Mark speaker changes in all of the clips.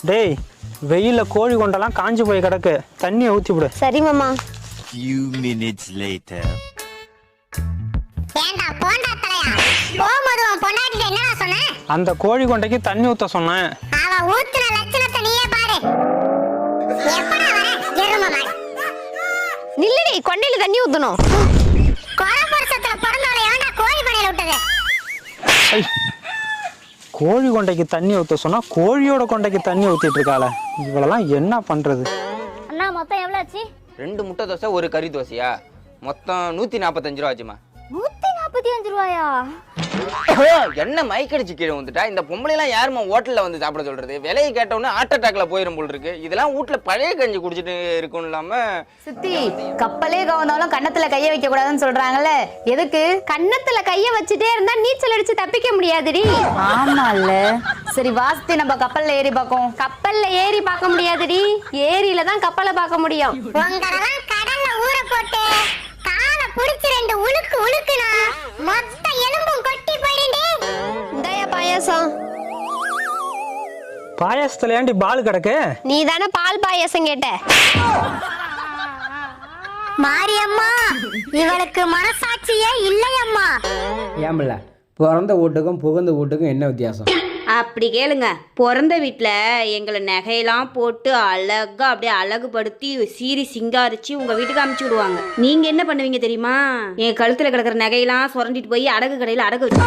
Speaker 1: டேய் வெயில்ல கோழி கொண்டெல்லாம் காஞ்சு போய் கிடக்கு, தண்ணியை ஊத்தி விடு.
Speaker 2: சரி மாமா.
Speaker 3: Few minutes later.
Speaker 4: ஏண்டா போண்டா தலையா, போகும்போது உன் பொண்டாட்டிட்ட என்னடா சொன்ன?
Speaker 1: அந்த கோழி கொண்டைக்கு தண்ணி ஊத்த சொன்னேன்.
Speaker 4: அவ ஊத்துன லட்சணத்தை நீயே பாரு. எப்படா வர எருமை மாடு?
Speaker 2: நில்லடி, கொண்டையில தண்ணி ஊத்தணும்.
Speaker 4: கோலபுரசத்துல பிறந்தவளை ஏன்டா கோழி பண்ணையில விட்டது?
Speaker 1: ஐ, கோழி கொண்டைக்கு தண்ணி ஊத்த சொன்னா கோழியோட கொண்டைக்கு தண்ணி ஊத்திட்டு இருக்காள, இவளெல்லாம் என்ன பண்றது?
Speaker 5: அண்ணா மொத்தம் எவ்வளவு ஆச்சு?
Speaker 6: 2 முட்டை தோசை, ஒரு கறி தோசையா? மொத்தம் 145 ரூபா ஆச்சுமா.
Speaker 5: 145 ரூபாயா?
Speaker 6: என்ன மைக்கடிச்சு கீழே வந்துட்டா? இந்த பொம்பளை எல்லாம் யாருமா ஹோட்டல்ல வந்து சாப்பிட சொல்றது? விலையை கேட்டவுடனே ஹார்ட் அட்டாக்ல போயிரும் போல் இருக்கு. இதெல்லாம் வீட்டுல பழைய கஞ்சி குடிச்சிட்டு இருக்கும் இல்லாம.
Speaker 7: சித்தி, கப்பலே கவர்ந்தாலும் கன்னத்துல கைய வைக்க கூடாதுன்னு சொல்றாங்கல்ல, எதுக்கு?
Speaker 2: கன்னத்துல கைய வச்சுட்டே இருந்தா நீச்சல் அடிச்சு தப்பிக்க முடியாதுடி.
Speaker 7: ஆமால. சரி வாஸ்தி, நம்ம கப்பல்ல ஏறி பார்ப்போம்.
Speaker 2: கப்பல்ல ஏறி பார்க்க முடியாதுடி, ஏரியில தான் கப்பலை பார்க்க முடியும்.
Speaker 4: உங்களெல்லாம் கடல்ல ஊற போட்டு காலை புடிச்சு 2 உழுக்கு உழுக்குனா மொத்த எலும்பும் கொட்டி போயிடுண்டே.
Speaker 2: இந்தாயா பாயாசம்.
Speaker 1: பாயாசத்துல ஏண்டி பால் கிடக்கு?
Speaker 2: நீ தானே பால் பாயாசம் கேட்ட.
Speaker 4: மாரியம்மா, இவளுக்கு மனசாட்சியே இல்லையம்மா.
Speaker 8: ஏம்பில்ல, பிறந்த வீட்டுக்கும் புகுந்த வீட்டுக்கும் என்ன வித்தியாசம்?
Speaker 9: அப்படி கேளுங்க. பிறந்த வீட்டில் எங்களை நகையெல்லாம் போட்டு அழகாக அப்படியே அழகுபடுத்தி சீரி சிங்காரிச்சு உங்கள் வீட்டுக்கு அமுச்சு விடுவாங்க. நீங்கள் என்ன பண்ணுவீங்க தெரியுமா? என் கழுத்தில் கிடக்கிற நகையெல்லாம் சுரண்டிட்டு போய் அடகு கடையில் அடகு வச்சு.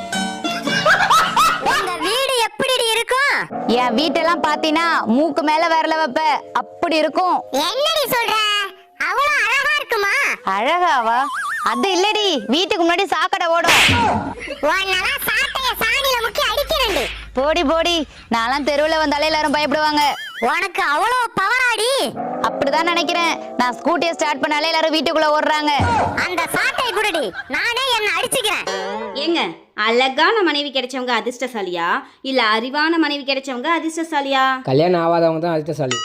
Speaker 4: உங்க வீடு எப்படி இருக்கும்?
Speaker 7: என் வீட்டெல்லாம் பாத்தீங்கன்னா மூக்கு மேல விரல வைப்ப, அப்படி இருக்கும்.
Speaker 4: என்னடி சொல்ற? அவ்வளவு அழகா இருக்குமா?
Speaker 7: அழகாவா? அது இல்லடி, வீட்டுக்கு முன்னாடி சாக்கடை ஓடும்.
Speaker 4: உன்னெல்லாம் சாட்டைய சாணியில முக்கி அடிக்கிறேன்டி.
Speaker 7: போடி போடி, நான்லாம் தெருவில் வந்தாலே எல்லாரும் பயப்படுவாங்க.
Speaker 4: உனக்கு அவ்வளவு பவராடி?
Speaker 7: அப்படிதான் நினைக்கிறேன். நான் ஸ்கூட்டியை ஸ்டார்ட் பண்ணாலே எல்லாரும் வீட்டுக்குள்ள ஓடுறாங்க.
Speaker 4: அந்த சாட்டை குடுடி, நானே என்ன அடிச்சுக்கிறேன்.
Speaker 9: ஏங்க, அழகான மனைவி கிடைச்சவங்க அதிர்ஷ்டசாலியா இல்லை அறிவான மனைவி கிடைச்சவங்க அதிர்ஷ்டசாலியா?
Speaker 8: கல்யாணம் ஆகாதவங்க தான் அதிர்ஷ்டசாலி.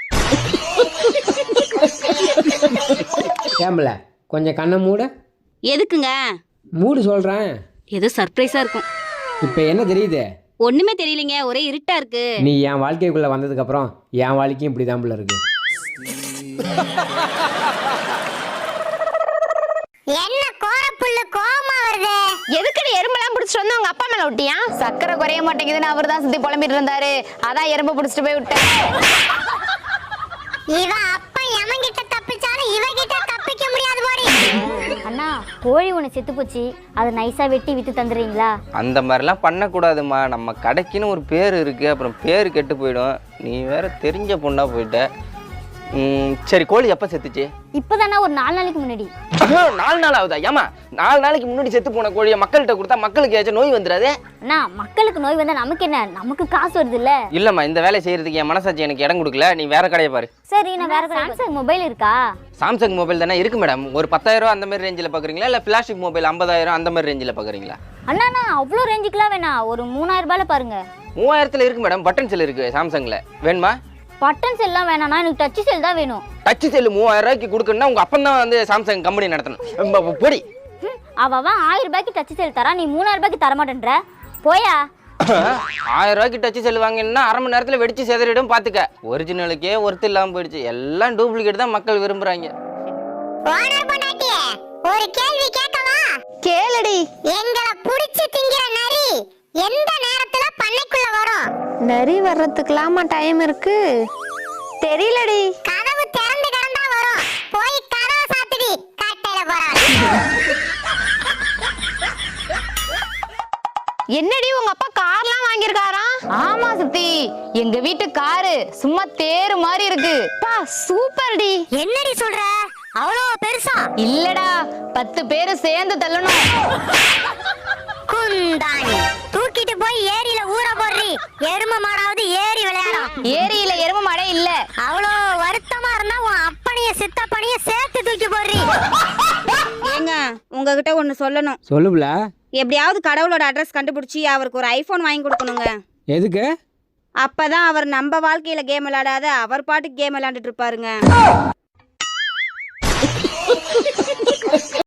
Speaker 8: ஏம்பில்ல, கொஞ்சம் கண்ணை மூட.
Speaker 9: எதுக்குங்க?
Speaker 8: மூடு சொல்கிறேன்.
Speaker 9: ஏதோ சர்ப்ரைஸாக இருக்கும்.
Speaker 8: இப்போ என்ன தெரியுது?
Speaker 9: ஒன்றுமே தெரியலைங்க, ஒரே இருட்டா இருக்கு.
Speaker 8: நீ என் வாழ்க்கைக்குள்ளே வந்ததுக்கப்புறம் என் வாழ்க்கையும் இப்படி தான் இருக்கு.
Speaker 4: என்ன கோரப்புல்லு கோவமா வருது?
Speaker 2: எதுக்குடி எறும்பெல்லாம் பிடிச்சிட்டு வந்து உங்க அப்பா மேல விட்டியா?
Speaker 7: சக்கரை குறைய மாட்டேங்குதுன்னு அவர் தான் சுத்தி புலம்பிட்டு இருந்தாரு, அதான் எறும்பு பிடிச்சிட்டு போய் விட்டேன்.
Speaker 4: இவ அப்பா எவன்கிட்ட தப்பிச்சாலும் இவகிட்ட தப்பிக்க முடியாது போடி.
Speaker 5: அண்ணா கோழி ஒன்று செத்து போச்சு, அதை நைஸா வெட்டி வித்து தந்துடுறீங்களா?
Speaker 6: அந்த மாதிரிலாம் பண்ணக்கூடாதுமா. நம்ம கடைக்குன்னு ஒரு பேர் இருக்கு, அப்புறம் பேர் கெட்டு போயிடும். நீ வேற தெரிஞ்ச பொண்ணா போயிட்ட. சரி, கோழி எப்போ செத்துச்சு?
Speaker 5: இப்போதானே ஒரு 4 நாளைக்கு முன்னாடி.
Speaker 6: 4 நாள் ஆகுதா? ஏமா 4 நாளைக்கு முன்னாடி செத்து போன கோழியை மக்கள்கிட்ட கொடுத்தா மக்களுக்கு ஏதாச்சும் நோய் வந்துடாது?
Speaker 5: அண்ணா மக்களுக்கு நோய் வந்தா நமக்கு என்ன? நமக்கு காசு வருது இல்ல?
Speaker 6: இல்லம்மா, இந்த வேலை செய்யறதுக்கு என் மனசாட்சி எனக்கு இடம் கொடுக்கல. நீ வேற கடையை பாரு.
Speaker 5: சரி, நான் வேற சாம்சங் மொபைல் இருக்கா?
Speaker 6: சாம்சங் மொபைல் தானே இருக்கு மேடம். ஒரு 10,000 ரூபா அந்த மாதிரி ரேஞ்சில் பார்க்குறீங்களா, இல்லை பிளாஸ்டிக் மொபைல் 50,000 அந்த மாதிரி ரேஞ்சில் பார்க்குறீங்களா?
Speaker 5: அண்ணா நான் அவ்வளோ ரேஞ்சுக்குலாம் வேணாம், ஒரு 3000 ரூபாயில பாருங்க.
Speaker 6: 3000 இருக்கு மேடம். பட்டன் செல் இருக்கு சாம்சங்ல, வேணுமா?
Speaker 5: பட்டன் செல்லாம் வேணாம்னா எனக்கு டச் செல் தான் வேணும்.
Speaker 6: டச் செல் 3000 ரூபாய்க்கு கொடுக்கணும்னா உங்க அப்பன் தான் வந்து சாம்சங் கம்பெனி நடத்தணும். போடி.
Speaker 5: அவன் 1000 ரூபாய்க்கு டச் செல் தரா, நீ 3000 ரூபாய்க்கு தர மாட்டேன்ற. போயா.
Speaker 6: 1000 ரூபாய்க்கு டச் செல் வாங்கினா அரை மணி நேரத்தில் வெடிச்சு செதறிடும். பார்த்துக்க, ஒரிஜினலுக்கே ஒருத்தர் இல்லாமல் போயிடுச்சு. எல்லாம் டூப்ளிகேட் தான் மக்கள் விரும்புறாங்க.
Speaker 4: ஓனர் பொண்டாட்டியே, ஒரு கேள்வி கேட்கவா?
Speaker 7: கேளுடி.
Speaker 4: எங்களை புடிச்சு திங்கிற நரி எந்த நேரத்துல பண்ணைக்குள்ள வரும்?
Speaker 2: நரி வர்றதுக்குலாமா டைம் இருக்கு?
Speaker 7: தெரியலடி.
Speaker 4: கதவு திறந்து கிடந்தா வரும். போய் கதவை சாத்துடி, கட்டையில போறான்.
Speaker 2: என்னடி உங்க அப்பா கார்லாம் வாங்கியிருக்காராம்?
Speaker 7: ஆமா சித்தி, எங்க வீட்டு காரு சும்மா தேரு மாதிரி இருக்கு.
Speaker 2: பா சூப்பர்டி.
Speaker 4: என்னடி சொல்ற? அவ்வளோ பெருசா?
Speaker 7: இல்லடா, 10 பேரு சேர்ந்து தள்ளணும்.
Speaker 4: குந்தாணி, தூக்கிட்டு போய் ஏரியில ஊற போடுறி. எரும மாடாவது ஏரி விளையாடும்.
Speaker 7: ஏரியில எருமை மழை இல்ல.
Speaker 4: அவ்வளோ வருத்தமா இருந்தா உன் அப்பனைய சித்தப்பனைய சேர்த்து தூக்கி போடுறி.
Speaker 9: ஏங்க, உங்ககிட்ட ஒன்று சொல்லணும்.
Speaker 8: சொல்லுப்ல.
Speaker 9: எப்படியாவது கடவுளோட அட்ரஸ் கண்டுபிடிச்சி அவருக்கு ஒரு ஐஃபோன் வாங்கி கொடுக்கணுங்க.
Speaker 8: எதுக்கு?
Speaker 9: அப்பதான் அவர் நம்ம வாழ்க்கையில கேம் விளையாடாத அவர் பாட்டுக்கு கேம் விளையாண்டுட்டு இருப்பாருங்க.